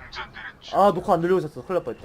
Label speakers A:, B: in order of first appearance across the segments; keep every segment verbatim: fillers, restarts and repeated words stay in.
A: 아 녹화 안 돌리고 있었어. 큰일 날 뻔했다.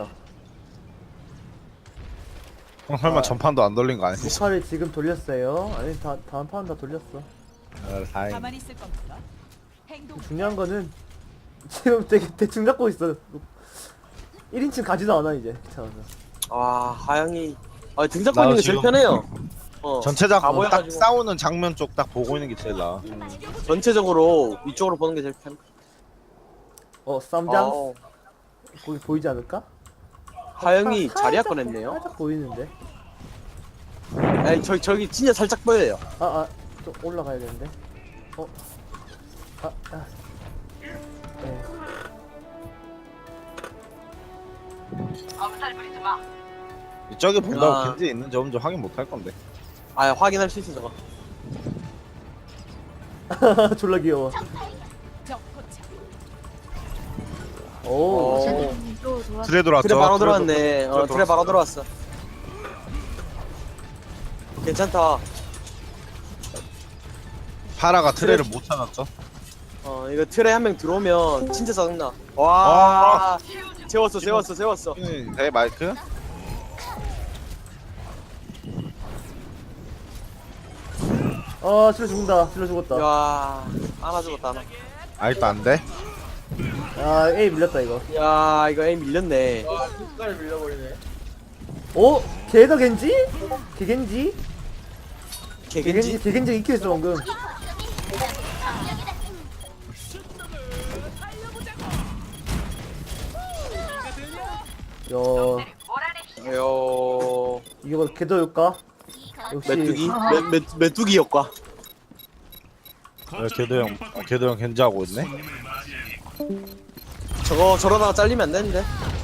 B: 형 설마
A: 아.
B: 전판도 안 돌린 거 아니지?
A: 녹화를 지금 돌렸어요. 아니 다, 다음 판은 다 돌렸어.
B: 아, 다행.
C: 가만히 있을 겁니까? 행동.
A: 중요한 거는 지금 되게 대충 잡고 있어. 일 인칭 가지도 않아 이제. 귀찮아서.
D: 아 하영이 아 등장
B: 나도
D: 보는 게 제일
B: 지금
D: 편해요. 어
B: 전체적으로 딱
D: 가보여가지고.
B: 싸우는 장면 쪽 딱 보고 있는 게 제일 나아.
D: 전체적으로 위쪽으로 보는 게 제일 편.
A: 어 쌈장?
D: 어,
A: 거기 보이지 않을까?
D: 하영이
A: 살짝
D: 자리야
A: 보-
D: 꺼냈네요.
A: 살짝 보이는데.
D: 아니 저 저기 진짜 살짝 보여요.
A: 아아 좀 올라가야 되는데. 어. 아 아. 네.
B: 저기 본다고
D: 아.
B: 겐지 있는지 없는지 확인 못 할 건데.
D: 아 확인할 수 있어 저거.
A: 졸라 귀여워.
C: 적 포착.
A: 오.
D: 오.
E: 또 돌아.
B: 트레 들어왔죠?
D: 트레 바로
B: 트레
D: 들어왔네.
B: 들어-
D: 어
B: 트레
D: 트레 바로
B: 들어왔어.
D: 들어왔어. 괜찮다.
B: 파라가 트레를 못 찾았죠?
D: 어 이거 트레 한 명 들어오면 진짜 짜증나. 와 재웠어 재웠어 재웠어.
B: 네 마이크?
A: 아 실러 죽는다. 실러 죽었다.
D: 야 하나 죽었다 하나.
B: 아직도 안 돼?
A: 아 A 밀렸다 이거.
D: 야 이거 에임 밀렸네.
A: 오? 걔가 겐지? 걔겐지? 걔겐지?
D: 개겐지?
A: 걔겐지 익혀 있어 방금. 야
D: 요
A: 이게 뭐 개더일까? 역시
D: 메뚜기 메, 메, 메뚜기 효과.
B: 왜 걔도 형, 어, 걔도 형 겐지 하고 있네?
D: 저거 저러다가 잘리면 안 되는데.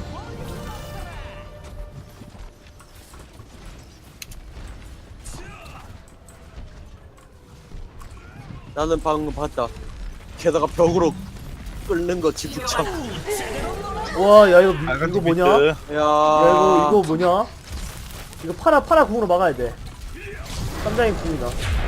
D: 나는 방금 봤다. 게다가 벽으로 끓는 거 지붙참.
A: 와 야 이거 미-
B: 빨간
A: 이거
B: 팀
A: 뭐냐?
B: 비트.
D: 야,
A: 야 이거 이거 뭐냐? 이거 파라 파라 궁으로 막아야 돼. 쌈장이 궁이다.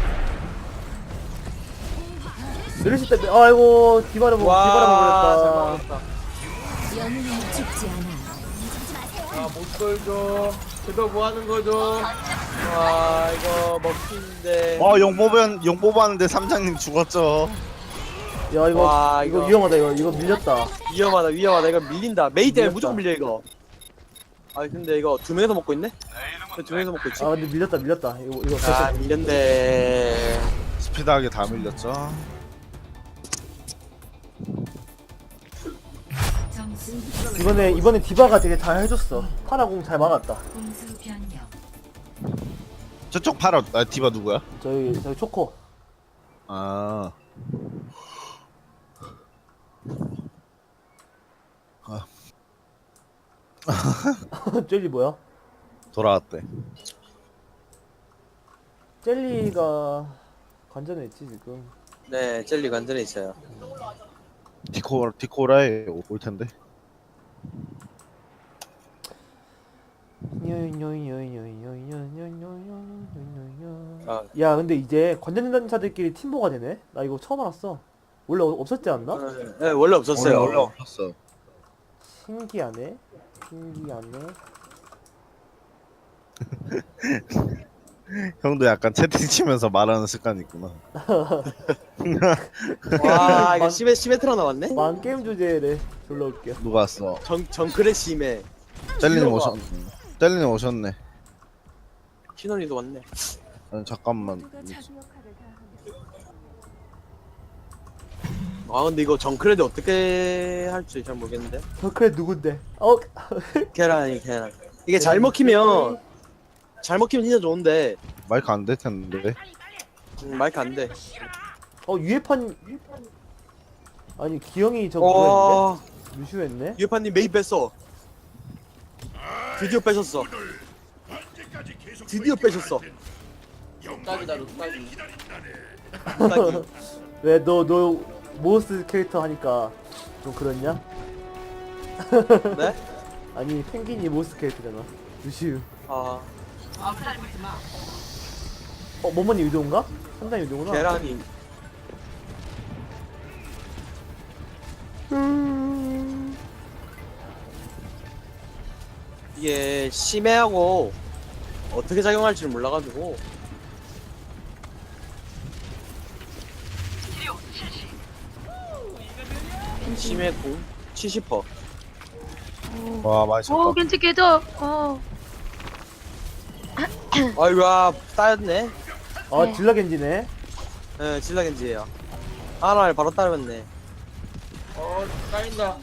A: 내리실 때 아이고 디바를 먹 디바를
D: 와, 잘
A: 먹었다.
D: 먹었다.
E: 영웅은 죽지 않아.
D: 아, 못 걸죠. 제가 뭐 하는 거죠? 와, 이거 먹히는데.
B: 어, 용 뽑은, 용 뽑았는데 삼장님 죽었죠.
A: 야 이거
D: 와,
A: 이거
D: 이거.
A: 위험하다 이거 이거 밀렸다.
D: 위험하다, 위험하다. 이거 밀린다. 메이 때문에
A: 밀렸다.
D: 무조건 밀려, 이거. 아, 근데 이거 두 명이서 먹고 있네? 왜 두 명이서 먹고 있지?
A: 아 근데 밀렸다 밀렸다. 이거 이거
D: 아,
A: 살짝-
D: 밀렸네.
B: 스피드하게 다 밀렸죠.
E: 점수
A: 이번에 이번에 디바가 되게 잘 해줬어. 파라 궁 잘 막았다.
E: 공수 변경.
B: 저쪽 파라, 아, 디바 누구야?
A: 저희 저희 초코.
B: 아.
A: 젤리 뭐야?
B: 돌아왔대.
A: 젤리가 관전했지 지금.
D: 네, 젤리 관전에 있어요.
B: 디코, 디코라에 올 텐데.
D: 아,
A: 야 근데 이제 관전자들끼리 팀보가 되네? 나 이거 처음 알았어. 원래 어- 없었지 않나?
D: 네, 원래 없었어요.
B: 원래, 원래 없었어.
A: 신기하네. 신기하네.
B: 형도 약간 채팅 치면서 말하는 습관이 있구나.
D: 와, 이거 심해, 심해트라 나왔네?
A: 만 게임 주제래. 졸라 웃겨.
B: 누가 왔어?
D: 정, 정크레 심해.
B: 젤리님
D: 킬러가.
B: 오셨네. 젤리님 오셨네.
D: 키노니도 왔네.
B: 아니, 잠깐만.
D: 아, 근데 이거 정크레드 어떻게 할지 잘 모르겠는데?
A: 덕크레 누군데? 어?
D: 계란이, 계란. 이게 잘 먹히면, 잘 먹히면 진짜 좋은데,
B: 마이크 안 될 텐데.
D: 음, 마이크 안 돼.
A: 어 유해판 아니 기영이 저 그거
D: 어,
A: 했는데? 루슈했네?
D: 유파님 메이 뺐어. 드디어 빼셨어. 드디어 빼셨어. 딱이다, 딱이. 딱이.
A: 왜 너 너 모스 캐릭터 하니까 좀 그렇냐?
D: 네?
A: 아니 펭귄이 모스 캐릭터잖아. 루슈.
D: 아,
A: 어 모모니 유도인가? 상당히 유도구나.
D: 계란이.
A: 음...
D: 이게 심해하고 어떻게 작용할지를 몰라가지고. 심해 공 칠십 퍼센트.
B: 와 많이 쳤다.
F: 오 겐지 깨져. 어.
D: 아이고야 따였네.
A: 아
F: 네.
A: 딜라 겐지네.
D: 예, 질라겐지예요. 하나를 바로 따였네. 어, 따인다.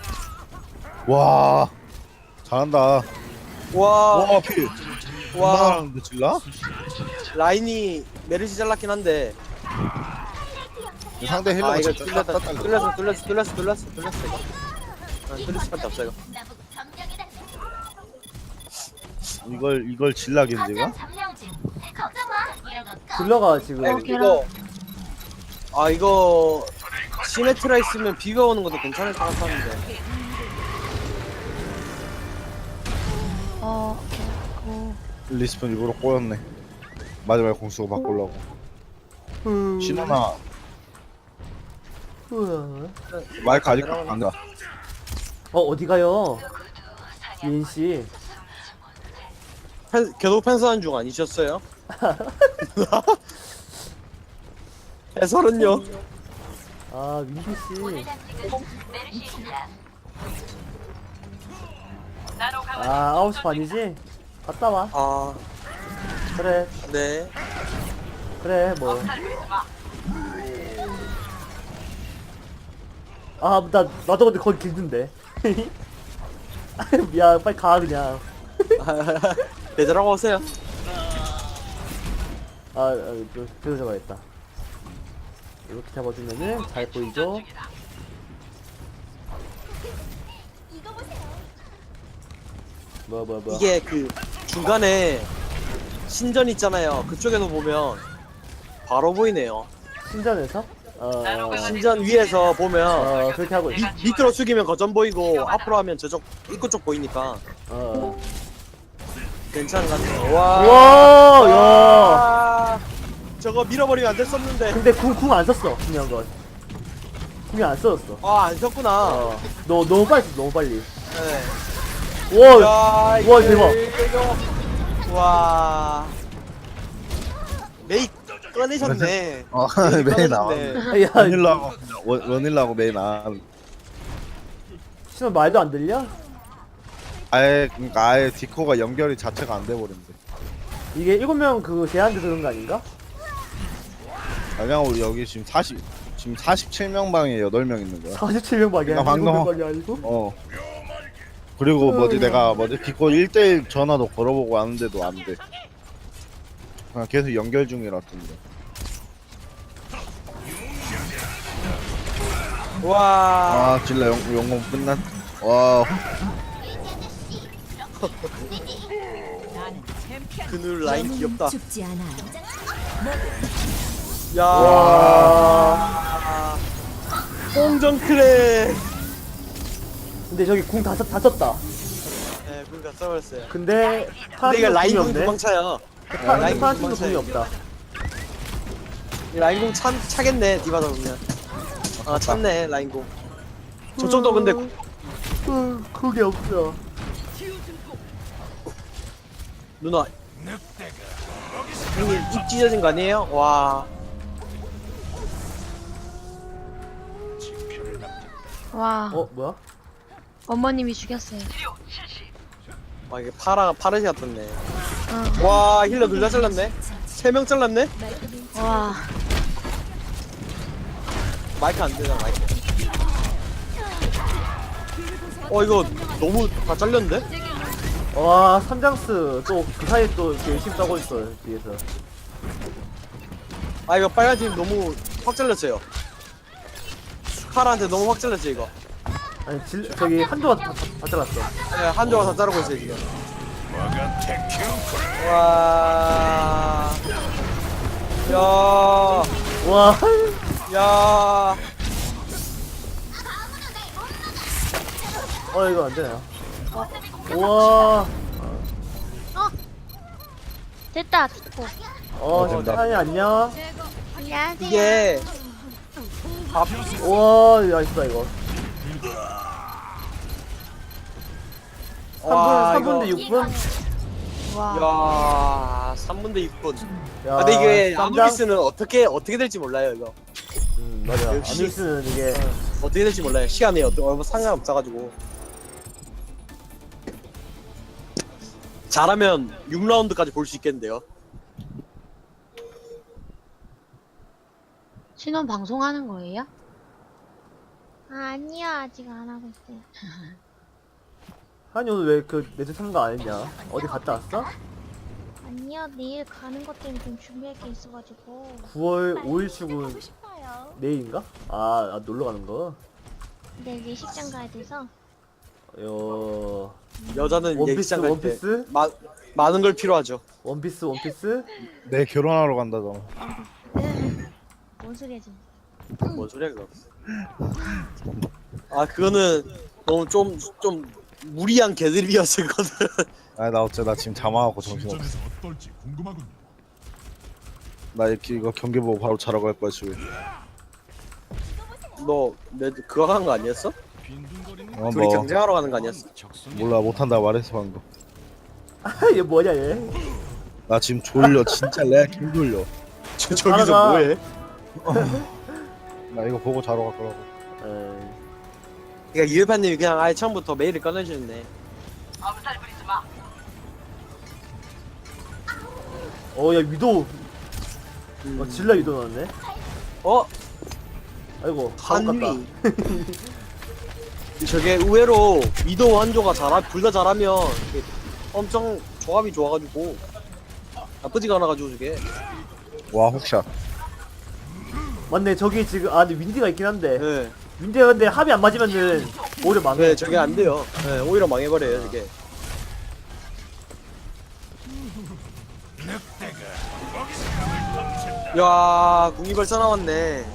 B: 와 잘한다.
D: 와,
B: 와 필.
D: 와,
B: 와 근데 질라?
D: 라인이 메르시 잘랐긴 한데.
B: 상대 힐러
D: 아, 이거
B: 진짜
D: 뚫렸다.
B: 땄다.
D: 뚫렸어, 뚫렸어, 뚫렸어, 뚫렸어, 뚫렸어, 이거. 아, 뚫릴 수밖에 없어, 이거.
B: 이걸 이걸 질라 겐지가?
A: 딜러가 지금
D: 아, 이거. 아, 이거. 시메트라 있으면 비가 오는 것도 괜찮을 것 같았는데.
F: 어. 어.
B: 리스폰 일부러 꼬였네. 마지막에 공수고 바꾸려고.
A: 음.
B: 신호나
A: 우와.
B: 마이크 아직 안 가.
A: 어 어디 가요? 민 씨.
D: 펜, 계속 펜스하는 중 아니셨어요? 해설은요?
A: 아 민규 씨. 아 아홉 시 반이지? 갔다 와.
D: 아,
A: 그래
D: 네.
A: 그래 뭐. 아나 나도 근데 거기 길던데. 미안 빨리 가 그냥.
D: 대절하고 오세요.
A: 아, 아 또, 그래서 잡아야겠다. 이렇게 잡아주면은 잘 보이죠? 뭐야 뭐야 뭐야.
D: 이게 그 중간에 신전 있잖아요. 그쪽에서 보면 바로 보이네요.
A: 신전에서? 어,
D: 신전 위에서 보면
A: 어 그렇게 하고 있어.
D: 밑, 밑으로 숙이면 거점 보이고 앞으로 하면 저쪽 입구 쪽 보이니까
A: 어.
D: 괜찮은 것 같아요. 와,
A: 와, 야.
D: 와, 저거 밀어버리면 안 됐었는데.
A: 근데 궁궁안 썼어 중요한 건. 궁이 안 써졌어.
D: 아, 안 썼구나.
A: 어. 너 너무 빨리 썼어, 너무 빨리.
D: 네.
A: 와,
D: 야,
A: 와,
D: 이거,
A: 대박.
D: 이거. 와, 메이 꺼내셨네.
B: 어
D: 메이
B: 메인 나와.
D: 꺼내셨네.
A: 야,
B: 원일라고 원- 원일라고 메인 나.
A: 신호 말도 안 들려?
B: 아예 그러니까 아예 디코가 연결이 자체가 안 돼 버린대.
A: 이게 일곱 명 그 제한돼 그런 거 아닌가?
B: 그냥 우리 여기 지금 사십 지금 사십칠 명 방에 여덟 명 있는 거야.
A: 사십칠 명 밖에
B: 나
A: 아니고
B: 방금-
A: 일곱 명 밖에 아니고?
B: 어. 그리고 뭐지 내가 뭐지 디코 일 대일 전화도 걸어보고 왔는데도 안 돼. 그냥 계속 연결 중이라던데.
D: 와,
B: 아 질라 영 영공 끝났. 와
C: 나는 챔피언.
D: 그늘 라인
E: 영웅은
D: 귀엽다.
E: 죽지 않아요.
D: 야,
A: 와.
D: 홍전 크래.
A: 근데 저기 궁 다 다 썼다.
D: 네, 그러니까 써버렸어요.
A: 근데
D: 근데 이거
A: 파란팀
D: 라인
A: 궁이
D: 공
A: 없네.
D: 도망차요.
A: 파-
D: 라인
A: 파란 팀도
D: 도망쳐요.
A: 궁이 없다.
D: 이 라인 공 참, 차겠네, 디바다 보면. 아, 참네, 라인 공. 저쪽도 근데
A: 어, 그게 없어.
D: 누나 형님 입 찢어진 거 아니에요? 와,
F: 와.
A: 어 뭐야?
F: 어머님이 죽였어요.
D: 와 이게 파라 파르시 같았네.
F: 어.
D: 와 힐러 둘 다 잘랐네. 세 명 잘랐네.
F: 와.
D: 마이크 안 되잖아 마이크. 어 이거 너무 다 잘렸는데?
A: 와 삼장스 또 그 사이에 또 이렇게 열심히 싸고 있어 뒤에서.
D: 아 이거 빨간 팀 너무 확 잘렸어요. 파라한테 너무 확 잘렸지 이거.
A: 아니 질, 저기 한조가 다, 다 잘랐어.
D: 네, 한조가 다 자르고 있어요 지금. 와, 야,
A: 와
D: 야,
A: 어 이거 안 되나? 우와
F: 됐다. 됐고.
A: 어
B: 된다.
A: 사장님 안녕.
F: 안녕하세요.
D: 이게 밥
A: 우와 나이스다 이거.
D: 와,
A: 삼 분 대
D: 이거-
A: 육 분?
F: 와.
D: 야, 삼 분 대 육 분.
A: 야,
D: 아, 근데 이게
A: 쌈장?
D: 아누비스는 어떻게 어떻게 될지 몰라요 이거.
A: 음, 맞아.
D: 역시-
A: 아누비스는 이게
D: 어떻게 될지 몰라요. 시간이 어떤 얼마 상관없어가지고. 잘하면 육 라운드까지 볼 수 있겠는데요.
F: 신혼 방송하는 거예요? 아니요, 아직 안 하고 있어요.
A: 한이 오늘 왜 그 매주 참가 안 했냐? 어디 갔다 왔어?
F: 아니요, 내일 가는 것 때문에 좀 준비할 게 있어가지고.
A: 구월 오일 출근
F: 하고 싶어요.
A: 내일인가? 아, 아 놀러 가는 거.
F: 내일 예식장 가야 돼서.
A: 요
D: 여자는
A: 원피스,
D: 예식장 갈 때
A: 원피스?
D: 마- 많은 걸 필요하죠.
A: 원피스 원피스?
B: 내 결혼하러 간다잖아.
F: 뭔 소리야, 지금.
D: 뭔 소리야 그거. 아 그거는 너무 좀 좀 무리한 개드립이었을 거든.
B: 아니 나 어째 나 지금 자망하고 정신없어.
G: 진전에서 어떨지 궁금하군요.
B: 나 이렇게 이거 경기 보고 바로 자러 갈 거야 지금.
D: 너내 그거 하는 거 아니었어?
G: 빈둥거리는
B: 어
D: 둘이
B: 뭐
D: 경쟁하러 가는 거 아니었어?
G: 적성이
B: 몰라 못한다 말했어 방금.
A: 아, 얘 뭐냐 얘?
B: 나 지금 졸려 진짜 레알 개 졸려.
D: 저,
A: 따라가.
D: 저기서 뭐해?
B: 나 이거 보고 자러 갈 거라고.
A: 에이,
D: 그러니까 유해파님이 그냥 아예 처음부터 메일을 꺼내주셨네.
A: 어, 야 위도.
D: 음.
A: 어, 질라 위도 나왔네.
D: 어?
A: 아이고, 한위.
D: 한위. 저게 의외로 위도우 한조가 잘하 둘 다 잘하면 이게 엄청 조합이 좋아가지고 나쁘지가 않아가지고 저게.
B: 와 혹샷.
A: 맞네, 저기 지금 아, 근데 윈디가 있긴 한데.
D: 네,
A: 윈디가 근데 합이 안 맞으면은 오히려 망해.
D: 네 저게 안 돼요. 네, 오히려 망해버려요 저게. 야, 궁이벌써 나왔네.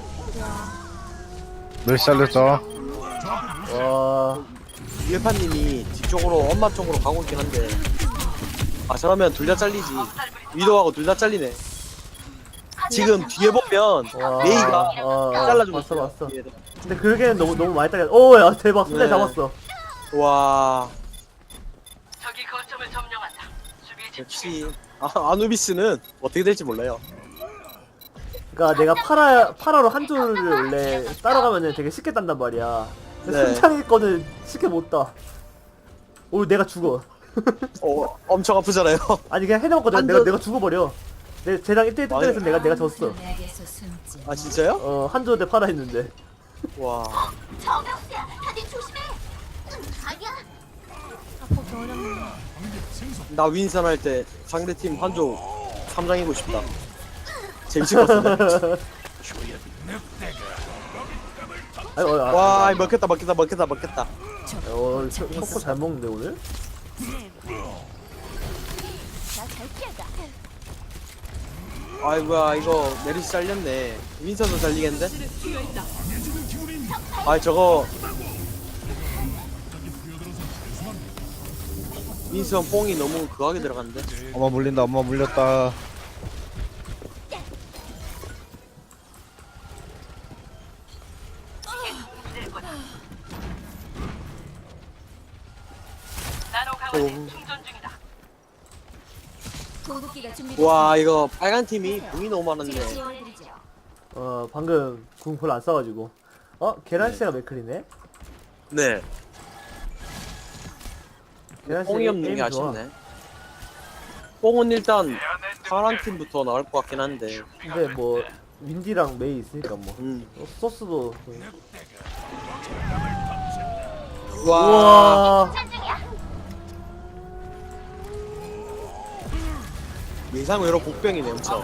B: 몇 살렸어?
A: 와,
D: 유해파님이 뒤쪽으로 엄마 쪽으로 가고 있긴 한데. 아, 저러면 둘 다 잘리지. 위도하고 둘 다 잘리네. 지금 뒤에 보면
A: 와,
D: 메이가
A: 어,
D: 잘라주고
A: 봤어,
D: 있어요.
A: 봤어.
D: 뒤에도.
A: 근데 그러기에는 너무 너무 많이 딸려. 오, 야 대박, 손에
D: 네.
A: 잡았어.
D: 와. 역시 아, 아누비스는 어떻게 될지 몰라요.
A: 그러니까 내가 파라 파라로 한조를 원래 따라가면은 되게 쉽게 딴단 말이야. 근데
D: 네.
A: 손창이 거는 쉽게 못 따. 오, 내가 죽어.
D: 어, 엄청 아프잖아요.
A: 아니 그냥 해놓고 내가
D: 한조-
A: 내가, 내가 죽어버려. 내 쟤랑 일 대 일
D: 아니.
A: 뜯어서 내가 내가 졌어.
E: 내게서 숨지.
D: 아 진짜요?
A: 어, 한조 대 파라 했는데.
D: 와.
F: 아프기 어렵네.
D: 나 윈선 할 때 상대팀 한조 삼장이고 싶다. 재밌을 것 같은데.
A: 아니, 어, 아,
D: 와,
A: 아,
D: 먹겠다, 먹겠다, 먹겠다, 먹겠다.
A: 어, 초코 잘 먹는데 오늘?
D: 아이고야, 이거 메리시 잘렸네. 윈선도 잘리겠는데? 아, 저거 윈선 뽕이 너무 그하게 들어갔는데?
B: 엄마 물린다 엄마 물렸다.
E: 공급기가 준비.
D: 와, 이거 빨간 팀이 공이 너무 많았네.
E: 지원해드리죠.
A: 어, 방금 궁 별로 안 써가지고. 어, 계란씨가 맥클이네.
D: 네.
A: 계란씨
D: 뽕이 없는 게 아쉽네. 뽕은 일단 파란 팀부터 나올 것 같긴 한데.
A: 근데 뭐 윈디랑 메이 있으니까 뭐.
D: 음.
A: 어, 소스도.
D: 와.
A: 우와.
D: 예상 외로 복병이네, 엄청.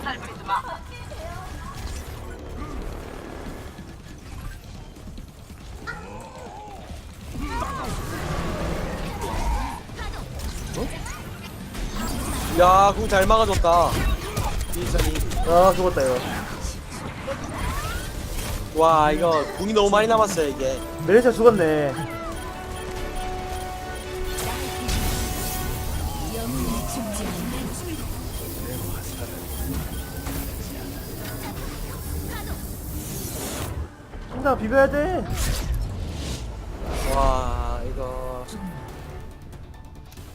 D: 야, 그거 잘 막아줬다. 윈선이.
A: 아, 죽었다 이거.
D: 와, 이거 궁이 너무 많이 남았어요, 이게.
A: 메리샤 죽었네.
E: 영웅이 죽지 않아.
A: 항상 비벼야 돼.
D: 와, 이거.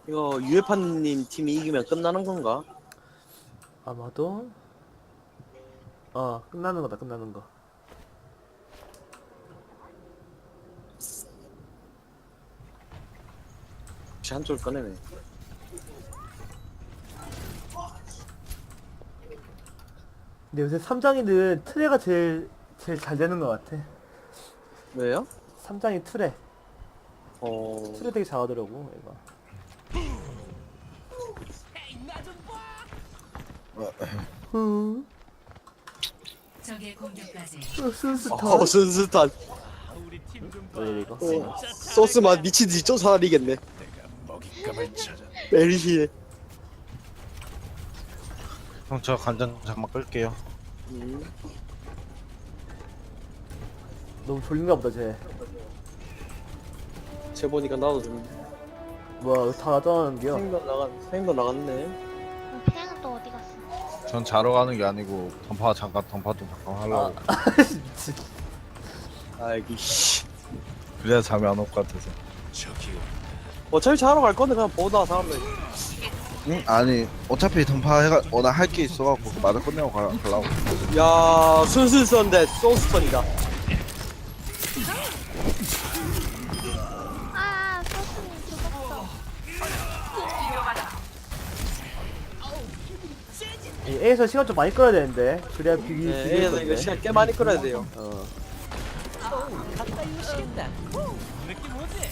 D: 이거 유에파님 팀이 이기면 끝나는 건가?
A: 아마도 어 끝나는 거다 끝나는 거.
D: 혹시 한쪽을 꺼내네.
A: 근데 요새 삼장이는 트레가 제일 제일 잘 되는 것 같아.
D: 왜요?
A: 삼장이 트레
D: 어...
A: 트레 되게 잘하더라고 얘가. 음,
E: 적의 공격까지
A: 어, 순스타.
D: 어 순스탄.
A: 왜 이거?
D: 어, 소스만 미친 듯이 쫓아다니겠네.
G: 먹잇감을 찾아.
D: 메리시에.
B: 형 저 간장 잠깐 끌게요.
D: 음.
A: 너무 졸린가 보다 쟤.
D: 쟤 보니까 나도 좀
A: 뭐야 다 나타나는겨.
D: 생각 나갔 생각 나갔네.
F: 어, 태양은 또 어디 갔어?
B: 전 자러 가는 게 아니고 던파 잠깐 던파 좀 잠깐 하려고.
A: 미친.
D: 아이고 씨.
B: 그래야 잠이 안 올 것 같아서.
G: 저기
D: 어차피 자러 갈 건데 그냥 보다 사람들.
B: 응? 아니 어차피 던파 해가 워낙 할 게 있어갖고 그 말을 끝내고 가, 가려고.
D: 야 순수선데 소스턴이다.
F: 아, 소스님 죽었어.
A: 이 A에서 시간 좀 많이 끌어야 되는데 그래야 비비
D: 네,
A: 비빌
D: A에서
A: 건데.
D: 이거 시간 꽤 많이 끌어야 돼요.
A: 어.
C: 가까이 오시겠다. 후, 느낌 오지?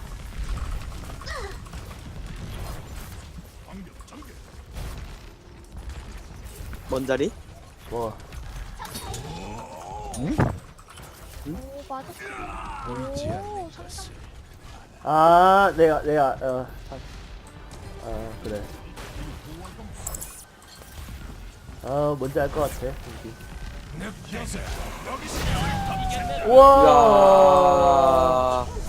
D: 뭔 자리?
A: 뭐
F: 오, 맞았어. 오, 상상.
A: 아 내가 내가 어. 아 그래. 아 뭔지 알 것 같아. 여기. 우와.
D: 야.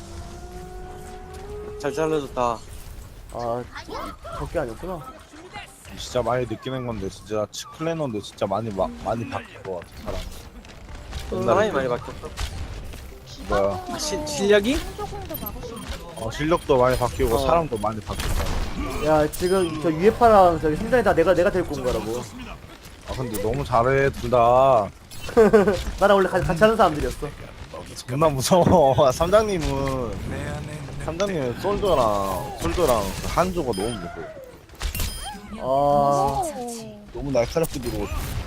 D: 잘 잘라줬다.
A: 아 적게 아니었구나.
B: 진짜 많이 느끼는 건데 진짜 치클레너도 진짜 많이 마, 많이 바뀐 것 같아 사람.
D: 사람이 많이 바뀌었어.
B: 뭐야?
F: 기본적으로
D: 시- 실력이?
F: 한조공도 막을 수 있어.
B: 어, 실력도 많이 바뀌고
D: 어.
B: 사람도 많이 바뀌었다.
A: 야 지금 저 유에파랑 저기 삼장이 다 내가 내가 데리고 온 거라고.
B: 아 근데 너무 잘해 둘 다.
A: 나랑 원래 같이, 같이 하는 사람들이었어.
B: 존나 무서워. 삼장님은 삼장님은 솔저랑 솔저랑 그 한조가 너무 무서워.
A: 아
F: 오.
B: 너무 날카롭게 들어오고.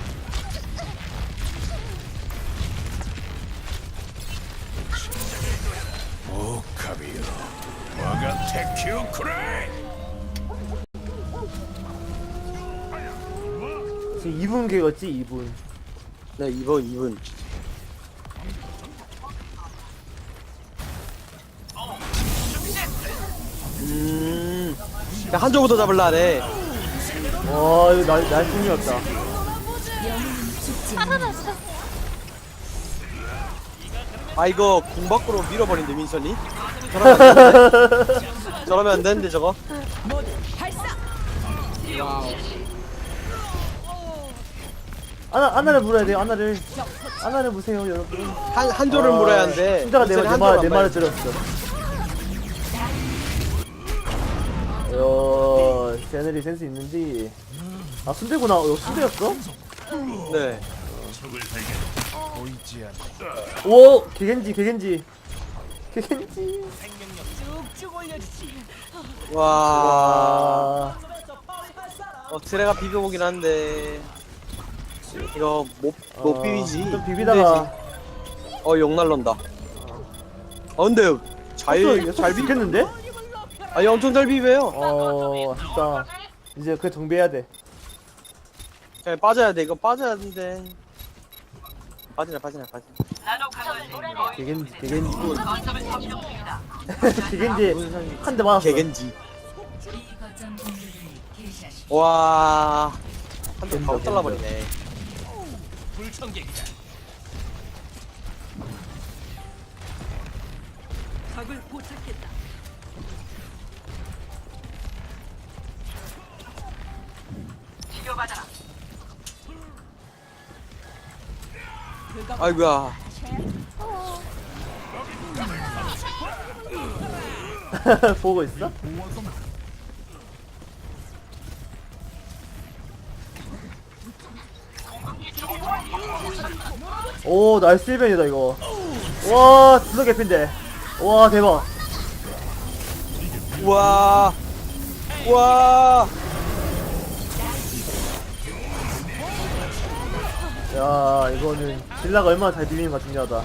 G: 오카비요. 와가 테키오 쿠라이.
A: 지금 이 분 계였지 이 분.
D: 네 이번 이분. 음. 야, 한조부터 잡을라네.
A: 와 이거 날 날숨이었다.
F: 살아났어.
D: 아 이거 궁 밖으로 밀어버린대 민선이. 저러면 안 되는데. 저러면 안 되는데 저거.
C: 모두 발사.
A: 아나 아나를 물어야 돼요 아나를. 아나를 무세요 여러분.
D: 한 한조를
A: 아,
D: 물어야 하는데.
A: 신자가 내,
D: 민선이
A: 내, 말,
D: 한조를
A: 내
D: 안
A: 말을
D: 봐야지.
A: 들었어. 야, 쟤네들이 센스 있는지. 아, 순대구나. 어, 순대였어?
D: 네.
G: 보이지 않는
A: 오! 개겐지, 개겐지. 개겐지.
C: 쭉쭉 올려주지.
D: 와.
A: 아,
D: 어 트레가 비벼보긴 한데. 이거 못 못
A: 아,
D: 비비지.
A: 좀 비비다가.
D: 어욕 날런다. 어 근데 잘 잘 비.
A: 비켰는데?
D: 아니 엄청 잘 비벼요.
A: 어, 아쉽다. 이제 그게 정비해야 돼.
D: 그냥 빠져야 돼. 이거 빠져야 되는데. 빠지나 빠지나 빠지나.
A: 개겐지, 개겐지. 개겐지 한 대 맞았어.
D: 개겐지.
E: 이 거점 공격을 개시하십시오.
D: 와. 한대
A: 겐더,
D: 바로
A: 겐더.
D: 잘라버리네.
C: 불청객이다. 적을 포착했다.
D: 아이고야.
A: 보고 있어? 오 나이스 일 변이다 이거. 와 딜러 개핀데. 와 대박.
D: 우와. 우와.
A: 야 이거는 딜라가 얼마나 잘 비비는가 중요하다.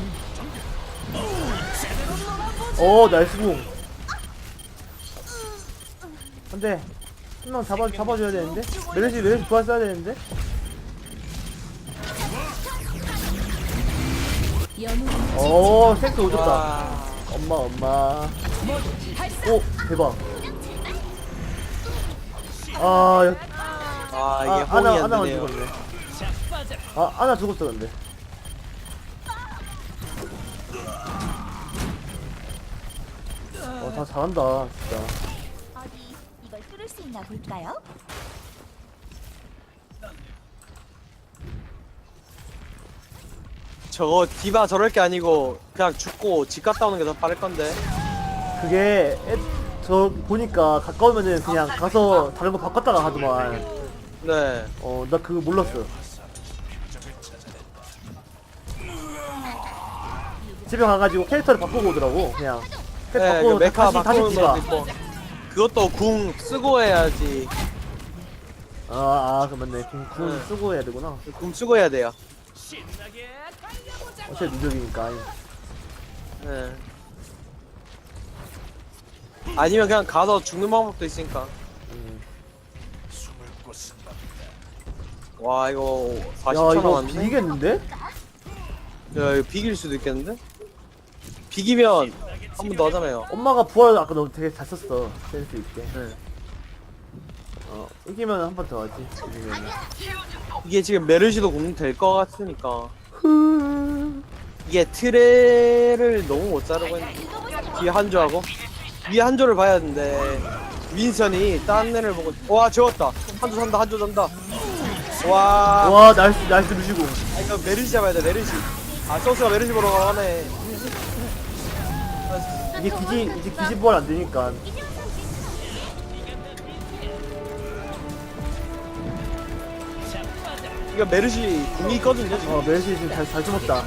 A: 오 나이스 공. 근데 한 명 잡아 잡아줘야 되는데. 메르시 메르시 부활 써야 되는데. 오 탱크 오졌다.
D: 와.
A: 엄마 엄마. 오 대박. 아, 야,
D: 아 이게
A: 아
D: 혼이
A: 아나
D: 안
A: 아나가
D: 되네요.
A: 죽었네. 아 아나 죽었어 근데. 어다 잘한다 진짜.
H: 어디 이걸 뚫을 수 있나 볼까요?
D: 저거 디바 저럴 게 아니고 그냥 죽고 집 갔다 오는 게 더 빠를 건데.
A: 그게 애, 저 보니까 가까우면은 그냥 가서 다른 거 바꿨다가 하더만.
D: 네.
A: 어 나 그거 몰랐어. 집에 가가지고 캐릭터를 바꾸고 오더라고 그냥. 캐릭터
D: 네, 그
A: 바꾸고
D: 메카
A: 다시 다시
D: 바꾸는
A: 디바.
D: 것도 있고. 그것도 궁 쓰고 해야지.
A: 아아 그렇네. 궁, 궁
D: 네.
A: 쓰고 해야 되구나.
D: 궁 쓰고 해야 돼요.
C: 신나게 달려보자.
A: 어차피 누적이니까.
D: 네. 아니면 그냥 가서 죽는 방법도 있으니까.
A: 음.
G: 숨을 곳은 없다.
D: 와 이거
A: 야
D: 사십 초
A: 이거
D: 남았네.
A: 비기겠는데?
D: 야 이거 비길 수도 있겠는데? 비기면 한 번 더 하잖아요.
A: 엄마가 부활 아까 너무 되게 잘 썼어. 센스 있게.
D: 네.
A: 어 이기면 한 번 더 하지. 이기면.
D: 이게 지금 메르시도 공 될 것 같으니까. 이게 트레를 너무 못 자르고 있는데 뒤에 한조하고 위에 한조를 봐야 되는데 윈선이 딴 애를 보고 와 재웠다. 한조 산다 한조 산다. 와,
A: 와 나이스 나이스 루시고.
D: 아, 이거 메르시 잡아야 돼 메르시. 아 소스가 메르시 보러 가네.
A: 이게 기지 이제 기지 부활 안 되니까.
D: 이거 메르시 궁이 있거든요 지금.
A: 어 메르시 지금 잘 잘 숨었다.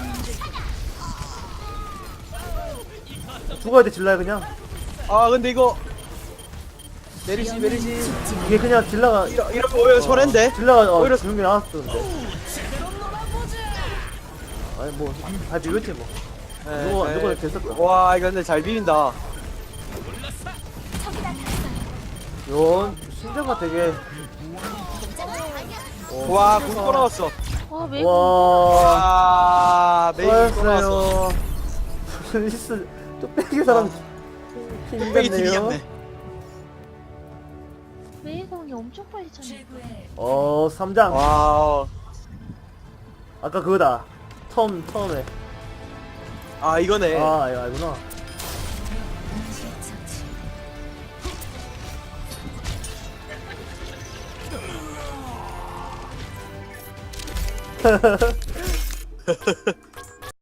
A: 죽어야 돼 질라야 그냥.
D: 아 근데 이거 메르시 메르시
A: 이게 그냥 질라가
D: 이러 이러면 오히려 손해인데.
A: 질라가 어
D: 오히려-
A: 죽는 게 나았었는데. 아니 뭐잘 비볐지 뭐.
D: 네,
A: 누가
D: 네.
A: 누가 됐었다.
D: 와 이거 근데 잘 비빈다.
A: 요 신자가 되게.
D: 와 궁 또 나왔어.
F: 와 왜?
A: 와.
D: 와 메인 또 나왔어.
A: 수고하셨어요. 무슨 히스 뚝배기 사람
D: 뚝배기
A: 힘들네요.
D: 튀기겠네.
F: 웨이공이 엄청 빨리 차네.
E: 최고의
A: 어 삼장.
D: 와.
A: 아까 그거다. 처음 처음에.
D: 아 이거네.
A: 아 이거 알구나.
E: 동시 처치.